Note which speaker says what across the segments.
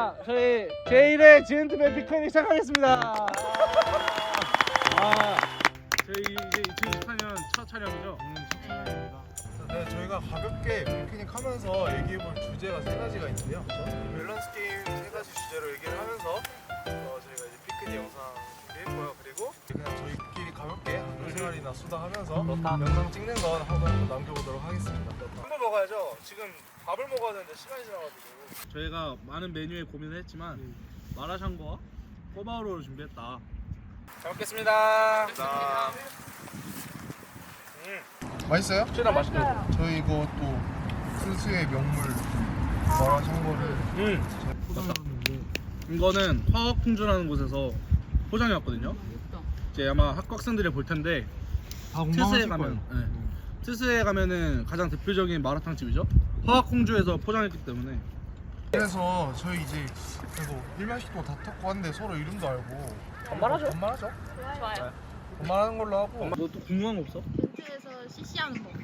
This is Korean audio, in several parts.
Speaker 1: 자, 저희 제1회 지엔트맨 피크닉 시작하겠습니다. 저희 이제 2018년 첫 촬영이죠?
Speaker 2: 네, 저희가 가볍게 피크닉 하면서 얘기해볼 주제가 세 가지가 있는데요. 밸런스 게임 세 가지 주제로 얘기를 하면서 저희가 이제 피크닉 영상 준비했고요. 그리고 그냥 저희끼리 가볍게 한두 시간이나 수다하면서 영상 찍는 건 한번 남겨보도록 하겠습니다. 한번 먹어야죠. 지금 밥을 먹어야 되는데 시간이 지나가지고.
Speaker 1: 저희가 많은 메뉴에 고민을 했지만 마라샹궈와 꼬바로우를 준비했다. 잘 먹겠습니다.
Speaker 2: 맛있어요?
Speaker 1: 최대한 맛있게.
Speaker 2: 저희 이거 또 스스의 명물 마라샹궈를
Speaker 1: 이거는 화학풍주라는 곳에서 포장해 왔거든요. 이제 아마 학과학생들이 볼 텐데
Speaker 2: 다
Speaker 1: 트스에
Speaker 2: 공감하실
Speaker 1: 가면,
Speaker 2: 거예요.
Speaker 1: 트스에 가면은 가장 대표적인 마라탕 집이죠. 화학풍주에서 포장했기 때문에.
Speaker 2: 그래서 저희 이제 그래도 일면식도 다 탔고 한데 서로 이름도 알고
Speaker 1: 반말하죠.
Speaker 2: 반말하죠?
Speaker 3: 좋아요.
Speaker 2: 반말하는 걸로 하고.
Speaker 1: 너 또 궁금한 거 없어?
Speaker 3: 벤트에서 CC하는 거.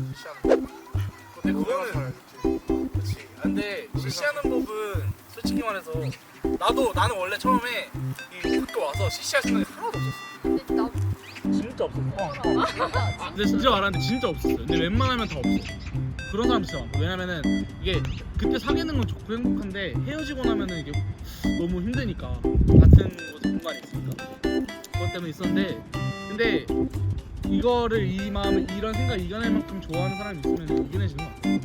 Speaker 1: 근데
Speaker 2: 그거는
Speaker 1: 그렇지. 근데 CC하는 법은 솔직히 말해서 나는 원래 처음에 이 학교 와서 CC할 생각이 하나도 없었어.
Speaker 3: 근데 나
Speaker 1: 진짜 없었어. 근데 진짜 말하는데 진짜 없었어요. 근데 웬만하면 다 없어. 그런 사람 진짜 많아. 왜냐면은 이게 그때 사귀는 건 좋고 행복한데 헤어지고 나면은 이게 너무 힘드니까 같은 곳에 공간이 있으니까 그것 때문에 있었는데 근데 이거를 이 마음을 이런 생각 이겨낼 만큼 좋아하는 사람이 있으면 이겨내지는 것 같아.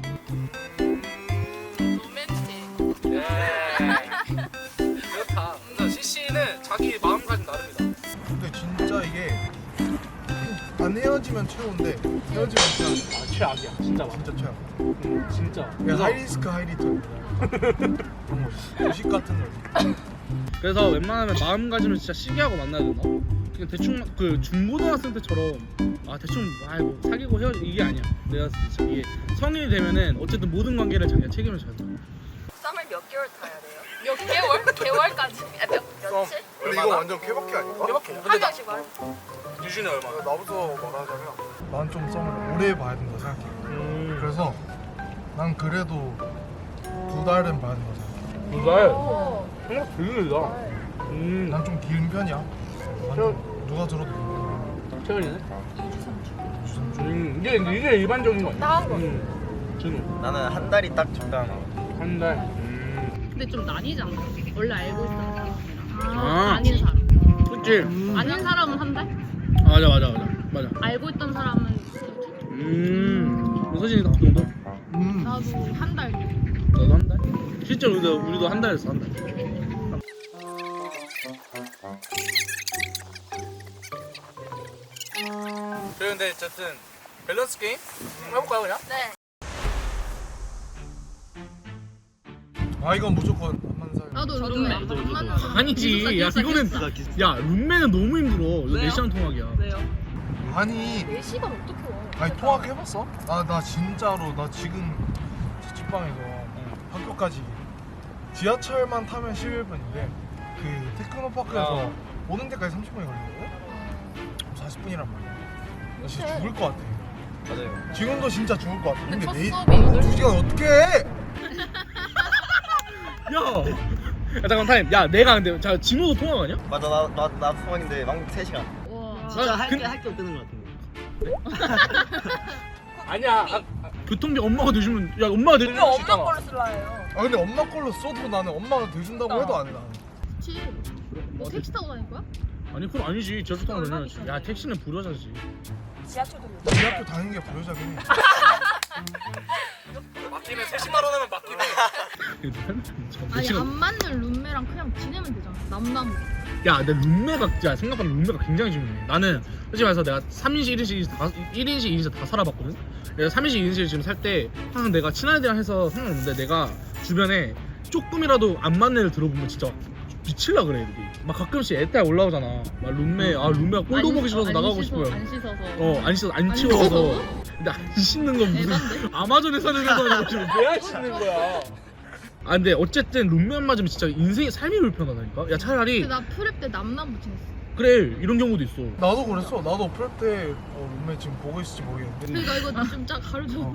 Speaker 3: 로맨틱.
Speaker 1: 그렇다. 그러니까 CC는 자기 마음가짐 나름이다.
Speaker 2: 근데 진짜 이게 안 헤어지면 최고인데 헤어지면 진짜
Speaker 1: 최악이야. 진짜
Speaker 2: 진짜 최악.
Speaker 1: 진짜.
Speaker 2: 그냥 하이리스크 하이리턴. 주식 같은 거.
Speaker 1: 그래서 웬만하면 마음가짐을 진짜 시기하고 만나야 된다. 그냥 대충 그 중고등학생 때처럼 대충 뭐 사귀고 헤어지 이게 아니야. 내가 진짜 이게 성인이 되면은 어쨌든 모든 관계를 자기가 책임을 져야 돼.
Speaker 4: 썸을 몇 개월 타야 돼요?
Speaker 3: 몇 개월? 개월까지.
Speaker 4: 며칠?
Speaker 2: 근데 이거 완전 케바케 아닌가?
Speaker 4: 한 명씩 말.
Speaker 1: 유준이 얼마?
Speaker 2: 나부터 말하자면 난 좀 썸을 오래 봐야 된다 생각해. 그래서 난 그래도 2달은 봐야 된다 생각해.
Speaker 1: 두 달.
Speaker 4: 오.
Speaker 1: 생각 되게 길다.
Speaker 2: 난 좀 긴 편이야. 누가 들어도
Speaker 1: 최근이네.
Speaker 2: 2주 3주.
Speaker 1: 이게 일반적인 거 아니야?
Speaker 4: 나은 거.
Speaker 1: 준우.
Speaker 5: 나는 한 달이 딱 적당한 거.
Speaker 1: 한 달.
Speaker 3: 근데 좀 나뉘잖아. 원래 알고 있던 사람이랑
Speaker 1: 아.
Speaker 3: 아닌 사람.
Speaker 1: 그치?
Speaker 3: 아닌 사람은 한 달?
Speaker 1: 맞아.
Speaker 3: 알고 있던 사람은
Speaker 1: 서진이 딱 그 정도?
Speaker 3: 나도 한 달.
Speaker 1: 너도 한 달? 실제로 우리도 한 달했어, 한 달. 그런데 어쨌든 밸런스 게임 한번 해볼까요 그냥?
Speaker 4: 네.
Speaker 2: 아 이건 무조건 한만살.
Speaker 3: 나도
Speaker 4: 저도
Speaker 3: 룸메.
Speaker 4: 나도,
Speaker 1: 아니지. 야 이거는 야 룸메는 너무 힘들어. 이거
Speaker 4: 왜요?
Speaker 1: 4시간 통학이야.
Speaker 4: 왜요?
Speaker 2: 아니
Speaker 4: 4시간 어떻게 와?
Speaker 2: 아니 통학해봤어? 나 진짜로 나 지금 자취방에서 학교까지 지하철만 타면 11분인데 그 테크노파크에서 오는 데까지 30분이 걸리거든? 40분이란 말이야. 나 진짜 죽을 것 같아.
Speaker 5: 맞아요.
Speaker 2: 지금도 진짜 죽을 것 같아. 근데
Speaker 3: 첫
Speaker 2: 내일
Speaker 3: 수업이
Speaker 2: 2시간 어떻게 해?
Speaker 1: 야 잠깐 타임. 야 내가 근데 자 진호도 통학하냐?
Speaker 5: 맞아, 나 수학인데 왕복 3시간.
Speaker 3: 와.
Speaker 1: 진짜
Speaker 5: 할게 없다는 것 같은데.
Speaker 1: 아니야. 교통비 엄마가 내주면 야 엄마가 내주면
Speaker 4: 왜 엄마 걸로 쓸라 해요?
Speaker 2: 아 근데 엄마 걸로 써도 나는 엄마가 대준다고 해도 안 해 나는.
Speaker 3: 그치. 뭐 택시 타고 다닐 거야?
Speaker 1: 아니 그건 아니지. 저수 타고 다녀야지. 야 택시는 불효자지.
Speaker 4: 지하철도
Speaker 2: 우리 학교 다니는 게 불효자긴 해.
Speaker 1: 맡기면 30만 원 하면 맡기네.
Speaker 3: 아니 안 맞는 룸메랑 그냥 지내면 되잖아. 남남으로.
Speaker 1: 야, 내 룸메가 야 생각보다 룸메가 굉장히 중요해. 나는 솔직히 말해서 내가 3인실, 1인실, 2인실 다 살아봤거든. 그래서 3인실, 2인실 지금 살 때 항상 내가 친한 애들이랑 해서 상관없는데 내가 주변에 조금이라도 안 맞는 애를 들어보면 진짜 미칠라 그래 애들이. 막 가끔씩 애딸 올라오잖아. 막 룸메가 꼴도 보기 싫어서 나가고 싶어요.
Speaker 3: 안 씻어서.
Speaker 1: 안 씻어서 안
Speaker 3: 안
Speaker 1: 치워서.
Speaker 3: 씻어서?
Speaker 1: 근데 안 씻는 건 무슨
Speaker 3: 에반데?
Speaker 1: 아마존에 사는 애가 지금 왜안 씻는 거야? 아 근데 어쨌든 룸메 안 맞으면 진짜 인생이 삶이 불편하다니까. 야 차라리
Speaker 3: 근데 나 프랩 때 남남부 지냈어.
Speaker 1: 그래 이런 경우도 있어.
Speaker 2: 나도 그랬어. 나도 프랩 때 룸메 지금 보고 있을지 모르겠는데.
Speaker 3: 그러니까 이거 좀 쫙 가려줘.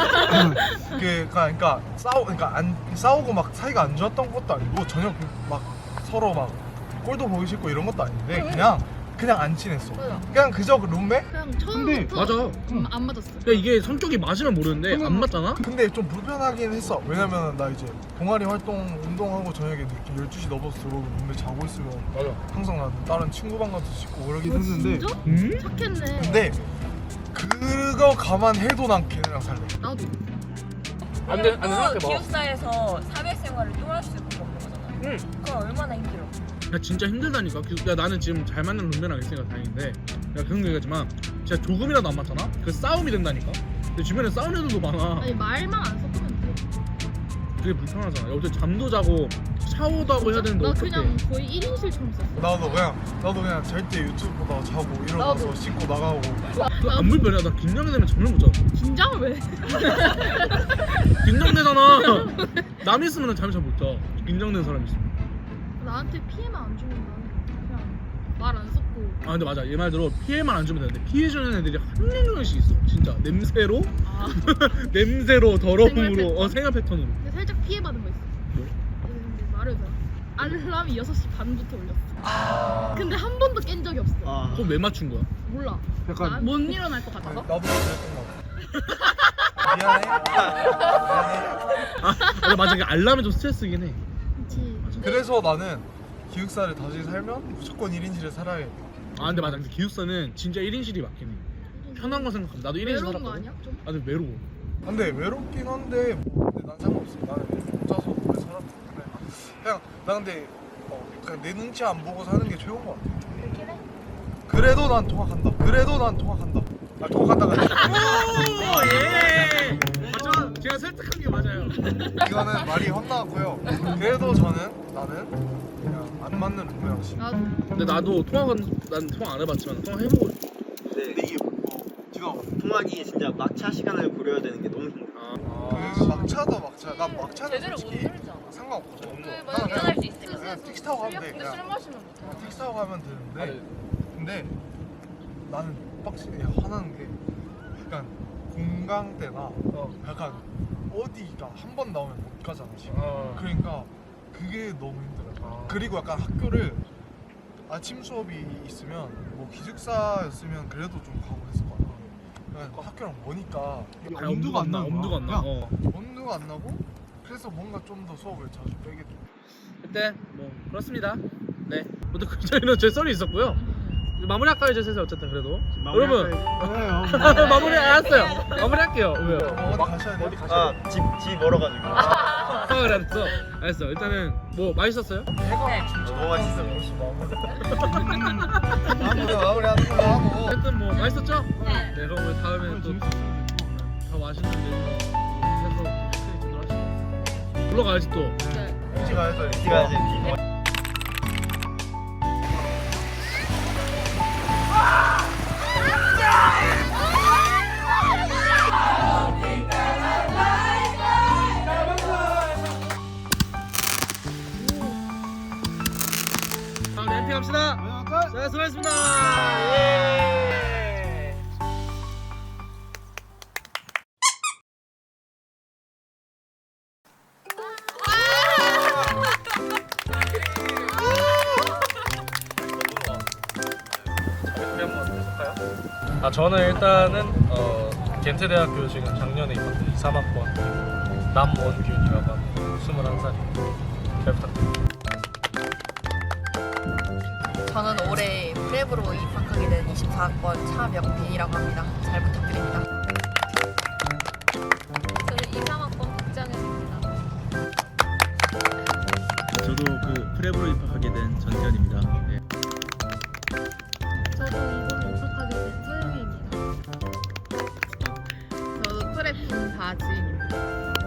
Speaker 2: 그러니까 싸우고 막 사이가 안 좋았던 것도 아니고 전혀 막 서로 막 꼴도 보기 싫고 이런 것도 아닌데 그냥 안 친했어.
Speaker 3: 맞아.
Speaker 2: 그냥 그저 그 룸메?
Speaker 3: 그냥
Speaker 2: 근데
Speaker 3: 처음부터
Speaker 1: 맞아.
Speaker 3: 안 맞았어.
Speaker 1: 그러니까 이게 성격이 맞으면 모르는데 안 맞잖아.
Speaker 2: 근데 좀 불편하긴 했어. 왜냐면 나 이제 동아리 활동 운동하고 저녁에 이렇게 12시 넘어서 들어오고 룸메 자고 있으면
Speaker 1: 맞아.
Speaker 2: 항상 나 다른 친구 방 가서 씻고 그러긴 했는데
Speaker 3: 진짜?
Speaker 1: 음?
Speaker 3: 착했네.
Speaker 2: 근데 그거 감안해도 난 걔네랑 살래.
Speaker 3: 나도.
Speaker 1: 안 돼, 안 돼, 생각해봐.
Speaker 4: 기숙사에서 사회생활을 또 할 수 있는 거잖아.
Speaker 1: 응.
Speaker 4: 그럼 얼마나 힘들어.
Speaker 1: 야 진짜 힘들다니까. 야 나는 지금 잘 맞는 룸메랑 있으니까 다행인데. 야 그런 얘기하지만 진짜 조금이라도 안 맞잖아. 그 싸움이 된다니까. 근데 주변에 싸우는 애들도 많아.
Speaker 3: 아니 말만 안 섞으면 돼.
Speaker 1: 그게 불편하잖아. 야, 어제 잠도 자고 샤워도 하고 해야 되는데
Speaker 3: 나
Speaker 1: 어떡해.
Speaker 3: 그냥 거의 1인실처럼 썼어.
Speaker 2: 나도 그냥 잘 때 유튜브 보다가 자고 일어나서
Speaker 4: 나도.
Speaker 2: 씻고 나가고.
Speaker 1: 안 불편해. 나 긴장이 되면 잠을 못 자.
Speaker 3: 긴장을 왜?
Speaker 1: 긴장되잖아. 남 있으면 잠을 잘 못 자. 긴장된 사람 있으면.
Speaker 3: 나한테 피해만 안 주면 나는 그냥 말 안 섞고.
Speaker 1: 아 근데 맞아. 얘 말대로 피해만 안 주면 되는데 피해 주는 애들이 한 명씩 있어. 진짜 냄새로
Speaker 3: 아.
Speaker 1: 냄새로
Speaker 3: 생활
Speaker 1: 더러움으로
Speaker 3: 패턴?
Speaker 1: 생활 패턴으로.
Speaker 3: 근데 살짝 피해받은 거 있어.
Speaker 1: 뭐?
Speaker 3: 근데 말을 잘. 알람이 6시 반부터 울렸어. 근데 한 번도 깬 적이 없어.
Speaker 5: 아.
Speaker 1: 그거 왜 맞춘 거야?
Speaker 3: 몰라.
Speaker 2: 약간-
Speaker 3: 나 못 일어날 것 같아서.
Speaker 2: 나도 그랬던 거 같아. 미안해.
Speaker 1: 아 맞아. 이게 알람이 좀 스트레스긴 해.
Speaker 3: 그치.
Speaker 2: 그래서 나는 기숙사를 다시 살면 무조건 1인실에 살아야 돼.
Speaker 1: 아 근데 맞아. 근데 기숙사는 진짜 1인실이 맞긴 해. 편한 거 생각하면 나도 1인실
Speaker 3: 외로운 거
Speaker 1: 살았거든.
Speaker 3: 아니야? 좀?
Speaker 1: 아 근데 외로워.
Speaker 2: 근데 외롭긴 한데 뭐 근데 난 상관없어. 나는 혼자서 오래 살았기 때문에 그냥 나 근데 그냥 내 눈치 안 보고 사는 게 최고인 것 같아.
Speaker 4: 그렇긴 해.
Speaker 2: 그래도 난 통학한다. 아 통학한다가 아니라
Speaker 1: 오 예. 맞죠? 제가 설득한 게 맞아요.
Speaker 2: 이거는 말이 헛나왔고요. 그래도 나는 그냥 안 맞는 룸메랑 씨.
Speaker 3: 나도.
Speaker 1: 근데 나도 난 통화 안 해봤지만 통화 해보고 싶어.
Speaker 5: 근데 이게 네가 통학이 진짜 막차 시간을 고려해야 되는 게 너무 힘들어.
Speaker 2: 그 막차도 막차. 나 막차는
Speaker 4: 제대로 못
Speaker 2: 솔직히
Speaker 4: 놀잖아.
Speaker 2: 상관없거든.
Speaker 4: 만약 일어날 수 있으면.
Speaker 2: 그냥 택시 타고 가면 돼.
Speaker 4: 근데 술
Speaker 2: 그냥
Speaker 4: 마시면 못해.
Speaker 2: 택시 타고 가면 되는데 근데 나는 빡치게 화나는 게 약간 공강 때나 약간 어디가 한 번 나오면 못 가잖아 지금. 그러니까 그게 너무 힘들어. 그리고 약간 학교를 아침 수업이 있으면 뭐 기숙사였으면 그래도 좀 가고 했을 거야. 그러니까 학교랑 머니까 이게
Speaker 1: 아니, 엄두가 안 나. 엄두가 안 나. 어.
Speaker 2: 엄두가 안 나고 그래서 뭔가 좀 더 수업을 자주 빼게 돼.
Speaker 1: 그때 뭐 그렇습니다. 네. 모두 저희는 제 썰이 있었고요. 마무리할까요, 이제 슬슬 어쨌든 그래도. 여러분 마무리 알았어요. 마무리할게요. 왜요?
Speaker 2: 어디 가셔야 돼?
Speaker 5: 아, 집 멀어가지고.
Speaker 1: 그랬어. 알았어. 일단은 뭐 맛있었어요?
Speaker 2: 해가 진짜
Speaker 5: 너무 맛있어.
Speaker 2: 벌써 마무리하는 걸로 하고.
Speaker 1: 어쨌든 뭐 맛있었죠?
Speaker 4: 네.
Speaker 1: 네. 그럼 우리 다음에 또 더 맛있는 데 해서 크게 제대로 하시죠. 불러가야지 또.
Speaker 2: 일찍 가야죠.
Speaker 5: 일찍 가야지.
Speaker 1: 다음 램피 갑시다. 자, 수고하셨습니다. 예. 아 저는 일단은 겐트대학교 지금 작년에 입학한 2, 3학번 남원균이라고 합니다. 21살이에요. 잘 부탁드립니다.
Speaker 6: 저는 올해 프랩으로 입학하게 된 24학번 차명빈이라고 합니다. 잘 부탁드립니다.
Speaker 3: 저는 23학번 국장현입니다.
Speaker 7: 저도 그 프랩으로 입학하게 된 전태현입니다. 예.
Speaker 3: 저도 이번에 입학하게 된 서영희입니다.
Speaker 6: 저도 프랩 김다지입니다.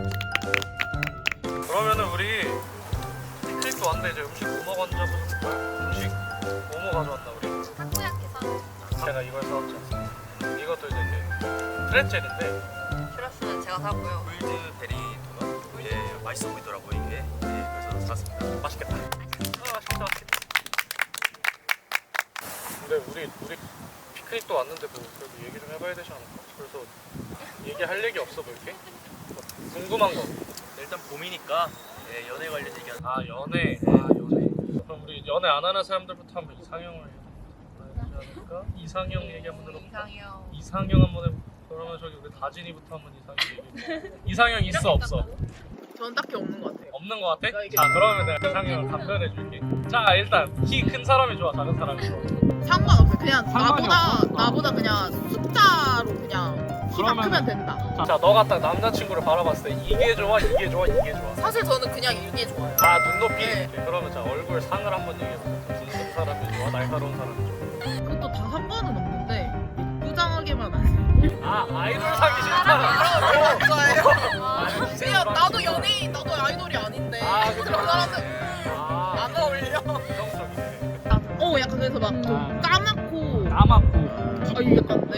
Speaker 1: 그러면은 우리 픽닉도 왔는데 이제 음식 뭐 먹었는지 한번 좀 볼까요? 음식 뭐 가져왔나 우리?
Speaker 3: 타코야키
Speaker 1: 제가 이걸 사왔지 않습니까? 이것도 이제 프레첼인데
Speaker 6: 슈러스는 제가 사고요.
Speaker 7: 골드베리 도넛. 예, 맛있어 보이더라고요 이게. 예, 그래서 샀습니다.
Speaker 1: 맛있겠다. 맛있겠다. 근데 우리 피크닉도 왔는데 뭐 그래도 얘기 좀 해봐야 되지 않을까? 그래서 얘기할 얘기 없어 뭐 이렇게? 궁금한 거.
Speaker 7: 일단 봄이니까 예, 연애 관련 얘기.
Speaker 1: 아 연애. 연애. 그럼 우리 연애 안 하는 사람들부터 한번 이상형을 해보지 않을까? 이상형 얘기 한번 들어볼까? 이상형 한번 해볼까? 그러면 저기 우리 다진이부터 한번 이상형 얘기해. 이상형 있어 없어?
Speaker 6: 저는 딱히 없는 것 같아요.
Speaker 1: 없는 거 같아? 자 그러면 내가 이상형을 답변해 줄게. 자 일단 키 큰 사람이 좋아 작은 사람이 좋아?
Speaker 6: 상관없어요. 그냥
Speaker 1: 상관이 없어.
Speaker 6: 나보다 그냥 숫자로 그냥 키가
Speaker 1: 그러면은-
Speaker 6: 크면 된다.
Speaker 1: 자 너가 딱 남자친구를 바라봤을 때 이게 좋아 이게 좋아 이게 좋아?
Speaker 6: 사실 저는 그냥 이게 좋아요.
Speaker 1: 아 눈높이?
Speaker 6: 네.
Speaker 1: 이렇게. 그러면 자 얼굴 상을 한번 얘기해보자. 둥근 사람이 좋아 날카로운 사람이 좋아?
Speaker 6: 그것도 다 상관은 없는데 예쁘장하게만 하세요.
Speaker 1: 아 아이돌 사기 싫다.
Speaker 6: 그냥 나도 연예인, 나도 아이돌이 아닌데
Speaker 1: 아, 그죠.
Speaker 6: 그런 사람은
Speaker 1: 아
Speaker 6: 안 어울려.
Speaker 1: 정적이네.
Speaker 6: 약간 그래서 막 좀 까맣고
Speaker 1: 까맣고.
Speaker 6: 이게 약간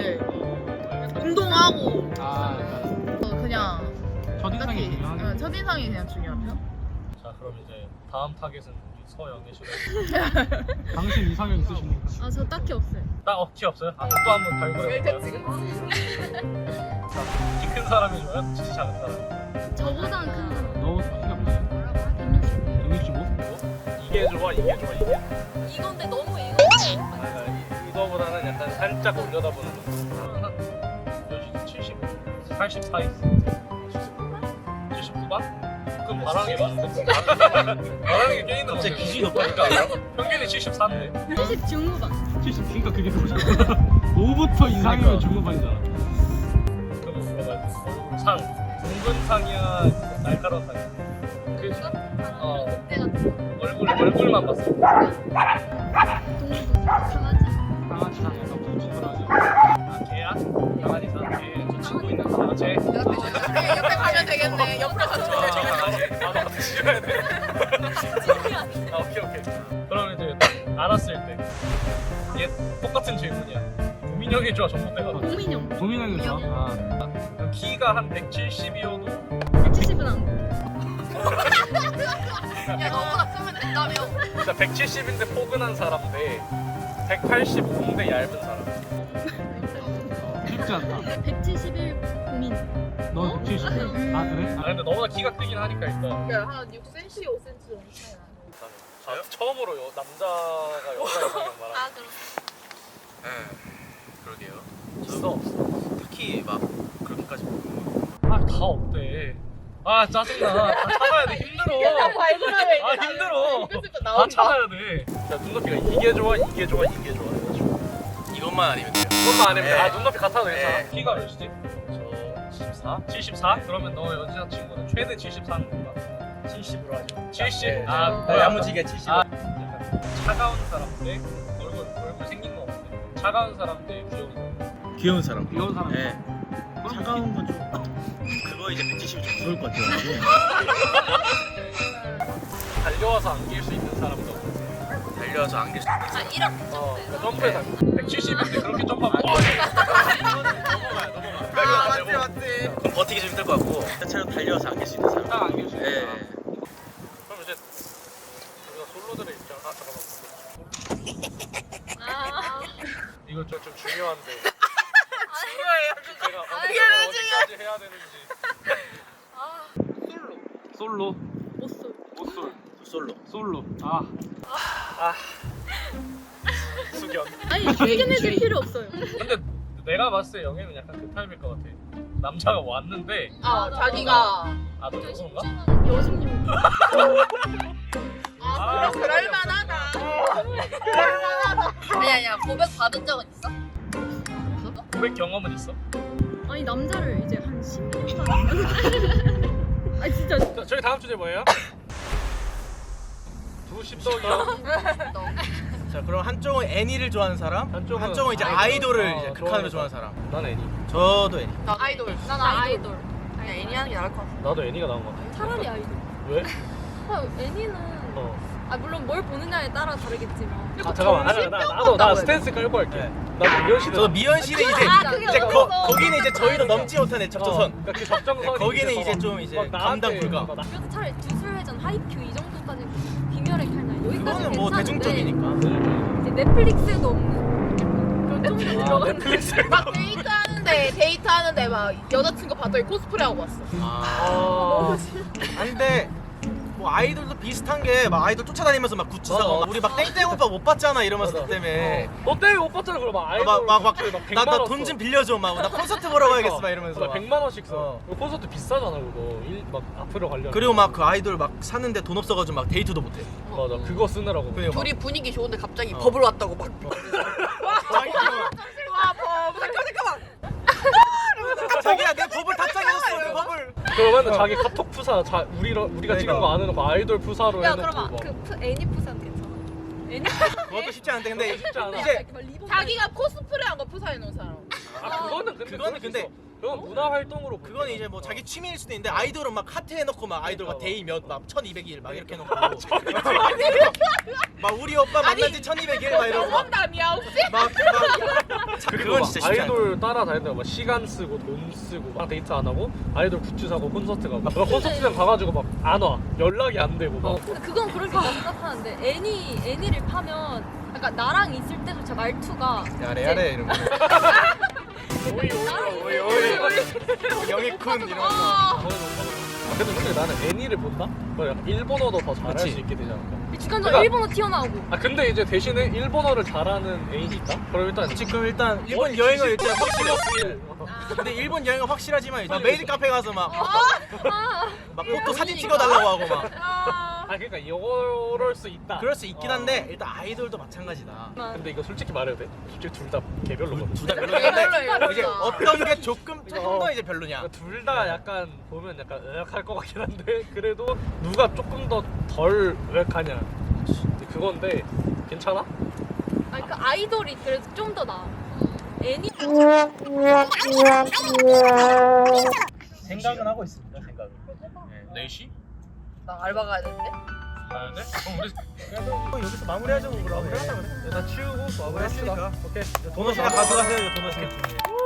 Speaker 6: 운동하고
Speaker 1: 아
Speaker 6: 그냥
Speaker 1: 첫인상이
Speaker 6: 딱히
Speaker 1: 중요하네.
Speaker 6: 첫인상이 그냥 중요하죠.
Speaker 1: 자 그럼 이제 다음 타겟은 우리 서영애 씨로. 당신 이상형 있으십니까?
Speaker 3: 아 저 딱히 없어요.
Speaker 1: 키 없어요? 아 또 한번 발굴해볼까요? 키 큰 사람이 좋아요? 키 작은 사람?
Speaker 3: 저보다는 큰 사람.
Speaker 1: 너 키가 몇이야? 165? 이게 좋아 이게 좋아 이게?
Speaker 4: 이건데 너무 이거.
Speaker 1: 이거보다는 약간 살짝 올려다보는 거. 한 70? 80 사이? 79반? 그럼 바람이 많은데? 바람이 꽤 있는
Speaker 7: 갑자기
Speaker 1: 건데.
Speaker 7: 기준이 높아니까.
Speaker 1: 평균이 74인데
Speaker 3: 70 중후반.
Speaker 1: 70 그러니까 그게 그거잖아. 5부터 이상이면 중후반이잖아. 그럼 물어봐야 돼. 얼굴 상 둥근 상이야 날카로운 상이야? 얼굴만 봤어.
Speaker 3: 동물도 강아지.
Speaker 1: 강아지 상 약간 둥둥하지. 아 개야? 강아지 상 개. 저 친구 있는 거 쟤?
Speaker 6: 옆에 가면 되겠네. 옆으로 가면
Speaker 1: 나도 같이 찍어야 돼. 아 오케이. 그럼 이제 알았을 때 얘 똑같은 질문이야. 우민형이 좋아 전봇대가 좋아?
Speaker 3: 공민형.
Speaker 1: 우민형이 좋아? 그럼 키가 한 170이어도
Speaker 3: 170은 안 돼.
Speaker 6: 야 너보다 크면 된다며.
Speaker 1: 진짜 170인데 포근한 사람 대 185인데 얇은 사람. 쉽지 않다.
Speaker 3: 171 공민.
Speaker 1: 넌 170. 아 그래? 아 근데 너보다 키가 크긴 하니까 일단.
Speaker 6: 한 6cm, 5cm 정도 차이 나.
Speaker 1: 저요? 처음으로 남자가 여자 이상형 말하는.
Speaker 6: 그럼.
Speaker 7: 그러게요.
Speaker 1: 있어 없어?
Speaker 7: 딱히 막 그렇게까지
Speaker 1: 아다 없대. 아 짜증나. 다 찾아야 돼. 힘들어.
Speaker 6: 발굴하면
Speaker 1: 아 힘들어. 다
Speaker 6: 나온다.
Speaker 1: 찾아야 돼. 자 눈높이가 이게 좋아 이게 좋아 이게 좋아 해가지고.
Speaker 7: 이것만 아니면 돼요.
Speaker 1: 그것만 아니면 돼.
Speaker 7: 네.
Speaker 1: 아 눈높이 같아도 괜찮아.
Speaker 7: 네.
Speaker 1: 키가 몇이지? 저 74? 74? 그러면 너 여자친구는 최대 74는 뭔가?
Speaker 7: 70으로 하죠.
Speaker 1: 70?
Speaker 7: 네.
Speaker 1: 아
Speaker 7: 네, 야무지게 70.
Speaker 1: 아, 약간 차가운 사람 대 얼굴 생긴 거 없는데 차가운 사람 대 귀여운 사람.
Speaker 7: 귀여운 사람.
Speaker 1: 귀여운 사람.
Speaker 7: 네. 차가운 건 좀. 그거 이제 170이 좀 무서울 것 같아요.
Speaker 1: 달려와서 안길 수 있는 사람도.
Speaker 7: 달려와서 안길 수 있는
Speaker 4: 아 이렇게
Speaker 1: 그 점프해서 170인데 그렇게 점프하면 넘어가야.
Speaker 6: 맞지.
Speaker 7: 그럼 버티기 좀 힘들 것 같고 차로 달려와서 안길 수 있는 사람.
Speaker 1: 딱 안길 수 있는
Speaker 7: 네.
Speaker 1: 사람. 그럼 이제 우리가 솔로들의 입장. 잠깐만. 이거 좀 중요한데. 중요해요. 제가 어디까지 해야 되는지. 솔로.
Speaker 3: 옷솔.
Speaker 1: 옷솔.
Speaker 7: 솔로.
Speaker 1: 솔로. 숙연.
Speaker 3: 아니 견해줄 필요 없어요.
Speaker 1: 근데 내가 봤을 때 영애는 약간 그 타입일 것 같아. 남자가 왔는데
Speaker 6: 자기가
Speaker 1: 너 그런가?
Speaker 3: 여신용.
Speaker 1: 아,
Speaker 6: 그럴만하다.
Speaker 4: 아니야 고백 받은 적은 있어?
Speaker 1: 고백 경험은 있어?
Speaker 3: 아니 남자를 이제 한 10년 만에. 아니 진짜.
Speaker 1: 자, 저희 다음 주제 뭐예요? 두 십덕이요.
Speaker 8: 자 그럼 한쪽은 애니를 좋아하는 사람,
Speaker 1: 한쪽은
Speaker 8: 한쪽은 이제
Speaker 1: 아이돌.
Speaker 8: 아이돌을 이제 극한으로
Speaker 1: 좋아하는
Speaker 8: 좋아하는 사람.
Speaker 1: 난 애니.
Speaker 8: 저도 애니.
Speaker 6: 나 아이돌. 난 아이돌. 그냥 애니 하는 게 나을 것 같아.
Speaker 1: 나도 애니가 나온 것 같아.
Speaker 3: 차라리 아이돌.
Speaker 1: 왜?
Speaker 3: 애니는 물론 뭘 보느냐에 따라 다르겠지만.
Speaker 1: 잠깐만. 나 스탠스 끌고 할게. 나 미연시대.
Speaker 8: 저도 미연씨는 이제 거기는 이제 저희도 넘지 못한 적정선.
Speaker 1: 그러니까 그 적정선.
Speaker 8: 거기는 이제 좀 이제 감당 불가.
Speaker 3: 그래서 차라리 주술회전 하이큐 이 정도까지 비멸의 칼날 여기까지
Speaker 8: 그거는 뭐
Speaker 3: 괜찮은데
Speaker 8: 대중적이니까.
Speaker 3: 이제 넷플릭스에도 없는
Speaker 8: 넷플릭스.
Speaker 6: 막 데이트하는데 막 여자친구 봤더니 코스프레 하고 왔어.
Speaker 8: 아니 근데 뭐 아이돌도 비슷한 게 막 아이돌 쫓아다니면서 막 굿즈 사고 막 우리 막 땡땡 오빠 못 봤잖아 이러면서 그 때문에
Speaker 9: 너 때문에 못 봤잖아. 그럼 막 아이돌
Speaker 8: 나 돈 좀 빌려줘 막 나 콘서트 보러 가야겠어 막 이러면서 막.
Speaker 9: 100만 원씩 써. 그 콘서트 비싸잖아 그거. 막 앞으로 가려면.
Speaker 8: 그리고 막 그 아이돌 막 사는데 돈 없어가지고 막 데이트도 못해.
Speaker 9: 맞아. 그거 쓰느라고.
Speaker 8: 그리고 막
Speaker 6: 둘이 분위기 좋은데 갑자기 버블 왔다고 막.
Speaker 8: 자기야 내 버블 답장해줬어 버블.
Speaker 9: 그러면 자기 카톡 푸사 우리가 찍은 거 안 해놓고 아이돌 푸사로
Speaker 3: 야
Speaker 9: 해놓고
Speaker 3: 그러면
Speaker 9: 막.
Speaker 3: 그 애니 푸산 괜찮아?
Speaker 8: 그것도 쉽지 않은데 근데
Speaker 9: 쉽지 않아.
Speaker 8: 이제
Speaker 6: 자기가 코스프레 한 거 푸사해 놓은 사람.
Speaker 9: 그거는 근데
Speaker 8: 그거는 근데
Speaker 9: 그건 문화 활동으로
Speaker 8: 그건 이제 뭐 자기 취미일 수도 있는데 아이돌은 막 하트 해놓고 막 아이돌 막 데이 몇막 1200일 막 이렇게 해놓고 막 우리 오빠 만난 지 1200일 막 이러고 막
Speaker 6: 농담이야 혹시?
Speaker 8: 그건 진짜 쉽지 않아.
Speaker 9: 아이돌 따라다닌다고 막 시간 쓰고 돈 쓰고 막 데이트 안 하고 아이돌 굿즈 사고 콘서트 가고 막 콘서트장 가가지고 막 안 와 연락이 안 되고 막
Speaker 3: 그건 그렇게 생각하는데 애니를 파면 약간 나랑 있을 때조차 말투가
Speaker 2: 야래 이러면서 영희쿤 이러면서
Speaker 9: 근데 솔직히 나는 애니를 본다? 그럼 약간 일본어도 더 잘할
Speaker 8: 그치.
Speaker 9: 수 있게 되지 않을까?
Speaker 3: 주간적으로
Speaker 9: 그러니까-
Speaker 3: 일본어 튀어나오고
Speaker 9: 근데 이제 대신에 일본어를 잘하는 애인이 있다? 그럼 일단
Speaker 8: 지금 일단 일본 여행은 일단 확실해. 근데 일본 여행은 확실하지만 이제 메이드 카페 가서 막 포토 사진 찍어달라고 하고 막
Speaker 9: 그러니까 이럴 수 있다.
Speaker 8: 그럴 수 있긴 한데 일단 아이돌도 마찬가지다.
Speaker 9: 근데 이거 솔직히 말해도 돼? 솔직히 둘 다 개별로거든.
Speaker 8: 둘 다 별로인데
Speaker 6: 별로예요.
Speaker 8: 이제 어떤 게 조금 더 이제 별로냐.
Speaker 9: 둘 다 약간 보면 약간 의학할 것 같긴 한데 그래도 누가 조금 더 덜 의학하냐 그건데 괜찮아?
Speaker 3: 아니 그 아이돌이 그래도 좀 더 나아 애니
Speaker 7: 생각은 하고 있습니다. 생각은.
Speaker 8: 4시?
Speaker 6: 나 알바 가야 되는데.
Speaker 8: 가는데? 우리 여기서 마무리하자고 그러면.
Speaker 9: 다 치우고 마무리합시다.
Speaker 8: 했으니까.
Speaker 9: 오케이.
Speaker 8: 도넛이나 가져가세요. 도넛.